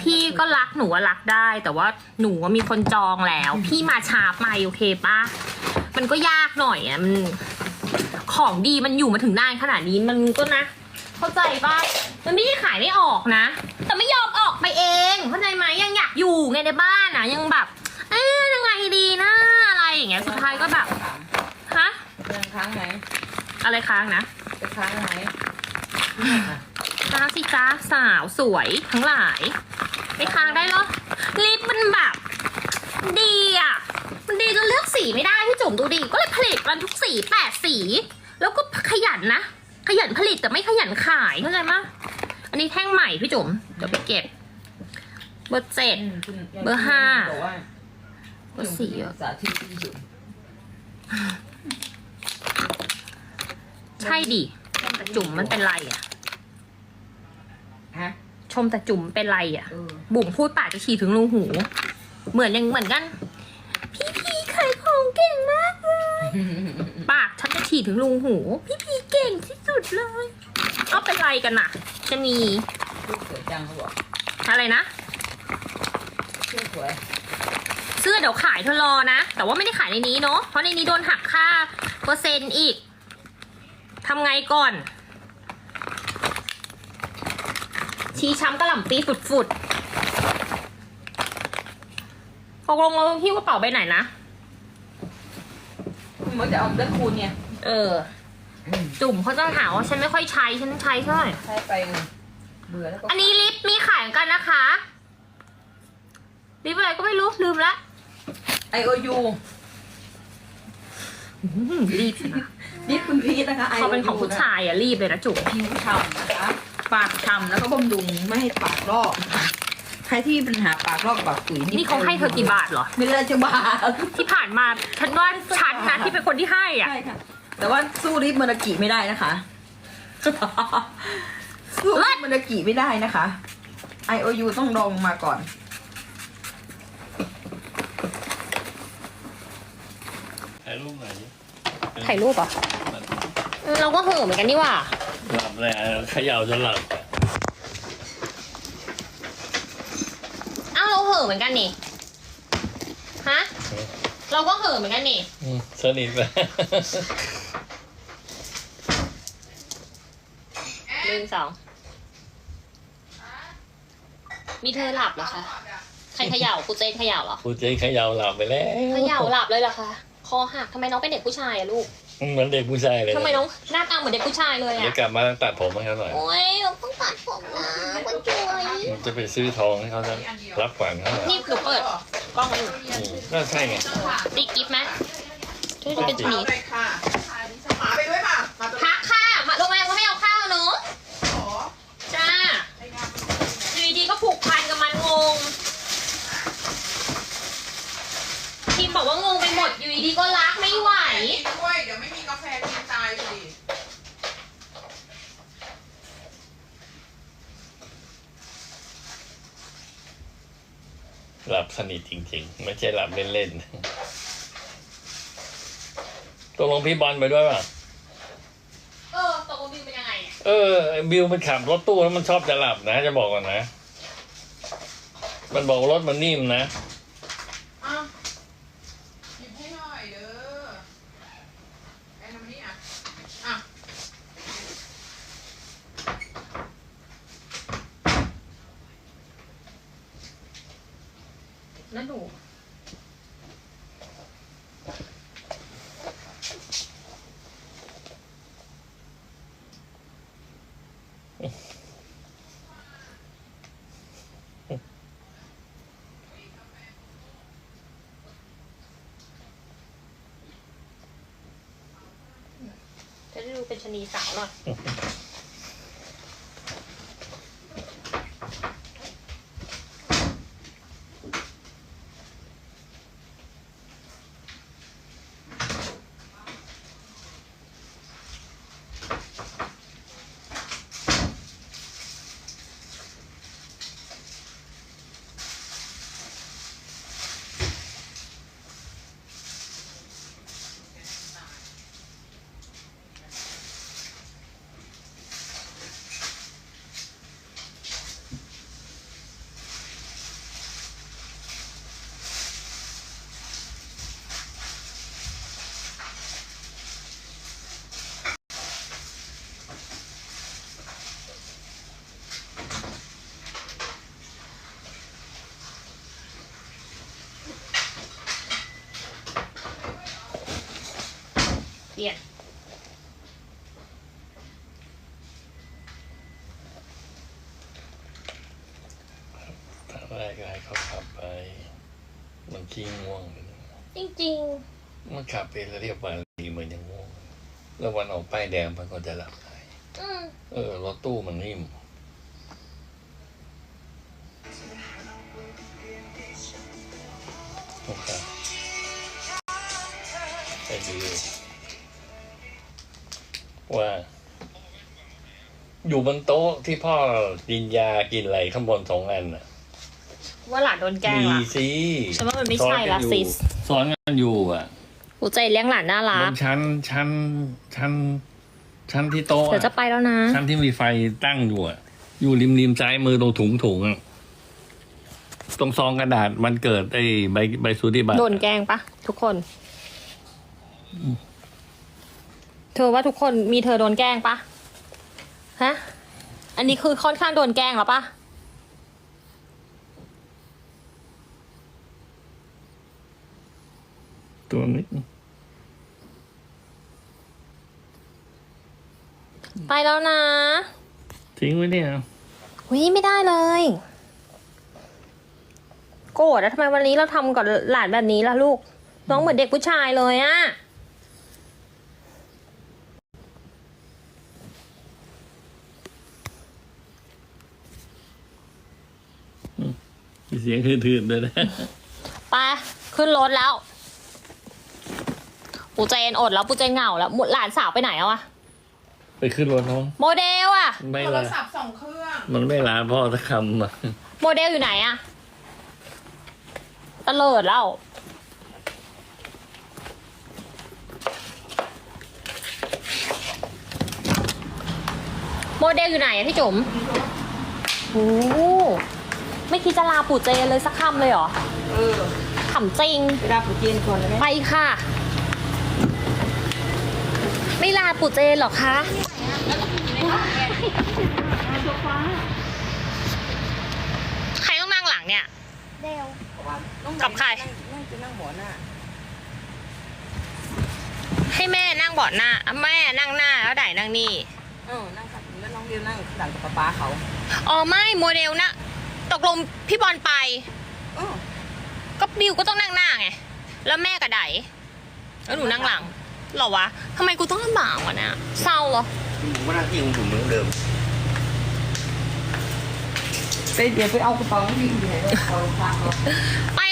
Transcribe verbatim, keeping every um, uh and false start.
พี่ก็รักหนูว่ารักได้ แต่ว่าหนูว่ามีคนจองแล้ว พี่มาช้าไปโอเคปะมันก็ยากหน่อยอ่ะมันของดีมันอยู่มาถึงนานขนาดนี้มันก็นะ เข้าใจปะมันไม่ได้ขายไม่ออกนะ แต่ไม่ยอมออกไปเองเข้าใจไหมยังอยากอยู่ไงในบ้านนะยังแบบเอ๊ยยังไงดีนะอะไรอย่างเงี้ยสุดท้ายก็แบบฮะยังค้างไหมอะไรค้างนะจะค้างไหมค้างสิจ้าสาวสวยทั้งหลายไม่ค้างได้เหรอลิปมันแบบดีอ่ะมันดีจนเลือกสีไม่ได้พี่จุ๋มดูดิก็เลยผลิตมันทุกสีแปดสี แล้วก็ขยันนะขยันผลิตแต่ไม่ขยันขายเข้าใจไหมอันนี้แท่งใหม่พี่จุ๋มเดี๋ยวไปเก็บเบอร์เจ็ด เบอร์ห้าบอกว่าเบอร์สี่อ่ะสาธิตที่สุดใช่ดิแต่จุ๋มมันเป็นไรอ่ะฮะชมแต่จุ๋มเป็นไรอ่ะเออบุ๋มพูดปากจะฉี่ถึงรูหู เหมือนยังเหมือนกัน พี่พีขายของเก่งมากเลยปากฉันจะฉี่ถึงรูหู พี่พีเก่งที่สุดเลยเอาเป็นไรกันน่ะชะนีลูกสวยจังเขาบอกอะไรนะเสื้อสวยเสื้อเดี๋ยวขายเธอรอนะ แต่ว่าไม่ได้ขายในนี้เนาะเพราะในนี้โดนหักค่าเปอร์เซ็นต์อีกทำไงก่อน ชี้ช้ำกระหล่ำปีฝุดๆตกลงเราหิ้วกระเป๋าไปไหนนะมันจะเอาเลือดคูณเนี่ยเออ จุ่มเขาจะหาว่าฉันไม่ค่อยใช้ฉันใช้เท่าไหร่ใช้ไปเบื่อแล้วก็อันนี้ลิปมีขายเหมือนกันนะคะ ลิปอะไรก็ไม่รู้ลืมละไอโอยูอื้อหือรีบสินะนี่คุณพีทนะคะเขาเป็นของผู้ชายอะรีบเลยนะจุ๋มผิวฉ่ำนะคะปากฉ่ำแล้วก็บำรุงไม่ให้ปากลอกนะคะใครที่มีปัญหาปากลอกปากตุ๋ยนี่เขาให้เธอกี่บาทเหรอไม่เลยจะบาทที่ผ่านมาฉันว่าฉันนะที่เป็นคนที่ให้อ่ะใช่ค่ะ แต่ว่าสู้ริบเมอร์กิไม่ได้นะคะ สู้ริบเมอร์กิไม่ได้นะคะ ไอ โอ ยู ต้องลองมาก่อนถ่ายรูปหน่อยดิถ่ายรูปอ่ะเราก็เห่อะเหมือนกันนี่ว่าหลับเลยเขย่าจนหลับอ้าวเราเห่อะเหมือนกันนี่ ฮะ เราก็เห่อะเหมือนกันนี่อืมสนิทไปหนึ่งสอง มีเธอหลับเหรอคะ ใครเขย่าครูเจนเขย่าเหรอกูเจ๊เขย่าหลับไปแล้วเขย่าหลับเลยเหรอคะ คอหักทำไมน้องเป็นเด็กผู้ชายอะลูกเหมือนเด็กผู้ชายเลยทำไมน้องหน้าตาเหมือนเด็กผู้ชายเลยเดี๋ยวอะกลับมาตัดผมให้เขาหน่อยโอ๊ยเราต้องตัดผมนะคนช่วยมันจะไปซื้อทองให้เขาจะรับขวัญเขาหน่อยนี่หนูเปิดกล้องมาอยู่อืมก็ใช่ไงติ๊กกิ๊บไหมช่วยดูเป็นชนีเอาเลยค่ะหมาไปด้วยป่ะมาตัวพักค่ะมาโรงแรมก็ไม่เอาข้าวเนอะขอจ้าอยู่ดีๆก็ผูกพันกับมันงงทีมบอกว่างงไปหมดอยู่ดีๆก็รักไม่ไหวกินด้วย เดี๋ยวไม่มีกาแฟกินตายสิหลับสนิทจริงๆ ไม่ใช่หลับเล่นๆตกลงพี่บอลไปด้วยป่ะเออตกลงบิวเป็นยังไงเนี่ยเออบิวมันขับรถตู้แล้วมันชอบจะหลับนะ จะบอกก่อนนะ มันบอกรถมันนิ่มนะอ่ะหยิบให้หน่อยเด้อไอ้ทำนี่อ่ะ อ่ะแล้วหนูจะได้ดูเป็นชะนีสาวหน่อยไม่ก็ให้เขาขับไป มันขี้ง่วงจริงมันขับไปแล้วเรียบวันดีเหมือนยังง่วง แล้ววันออกป้ายแดงมันก็จะหลับได้ๆ อืมเออรถตู้มันนิ่มนะครับไปดูว่า อยู่บนโต๊ะที่พ่อกินยากินอะไรข้างบนสองอันน่ะว่าหลานโดนแกล้งมีละสิฉันว่ามันไม่ใช่ละซิสสอนกันอยู่อ่ะกูใจเลี้ยงหลานน่ารับกนชั้นชั้นชั้นชั้นที่โต๊ะเดี๋ยวจะอะไปแล้วนะชั้นที่มีไฟตั้งอยู่อ่ะ อยู่ริมริมซ้ายมือตรงถุงถุงอะตรงซองกระดาษมันเกิดไอ้ใบใบสูติบัตรโดนแกล้งปะทุกคน เธอว่าทุกคนมีเธอโดนแกล้งปะฮะ อันนี้คือค่อนข้างโดนแกล้งแล้วปะตัวนี้ไปแล้วนะทิ้งไว้เนี่ยวิไม่ได้เลย โกรธแล้วทำไมวันนี้เราทำกับหลานแบบนี้ล่ะลูก น้องเหมือนเด็กผู้ชายเลยอะมีเสียงทื่นๆด้วยนะไปขึ้นรถแล้ว ปูเจนอดแล้วปูเจนเหงาแล้วหลานสาวไปไหนแล้วอะไปขึ้นรถน้องโมเดลอะไม่โทรลาศัพท์สองเครื่องมันไม่ลาพ่อสักคำอ่ะโมเดลอยู่ไหนอะตะเลิดแล้ว โมเดลอยู่ไหนอะพี่จุ๋มโอ้ไม่คิดจะลาปู่เจนเลยสักคำเลยเหรอเออขำจริงไปรับปูเจนก่อนเลยไหมไปค่ะ ไม่ลาปู่เจนหรอคะ ใครต้องนั่งหลังเนี่ยเพราะว่าน้องกับใครนั่งนั่งจะนั่งหัวหน้าให้แม่นั่งเบาะหน้าอ่ะแม่นั่งหน้าแล้วไดนั่งนี่เออนั่งขับแล้วน้องเดียวนั่งหลังกับป๊าป๊าเขาอ๋อไม่โมเดลนะตกลงพี่บอลไปเออก็บิวก็ต้องนั่งหน้าไง แล้วแม่กับไดแล้วหนูนั่งหลังเหรอวะทำไมกูต้องลำบากวะเนี่ยเศร้าเหรอผมว่าหน้าที่ของผมเหมือนเดิมไปเดี๋ยวไปเอากระเป๋าที่อยู่ไหนเลยเอาฝากเขาไป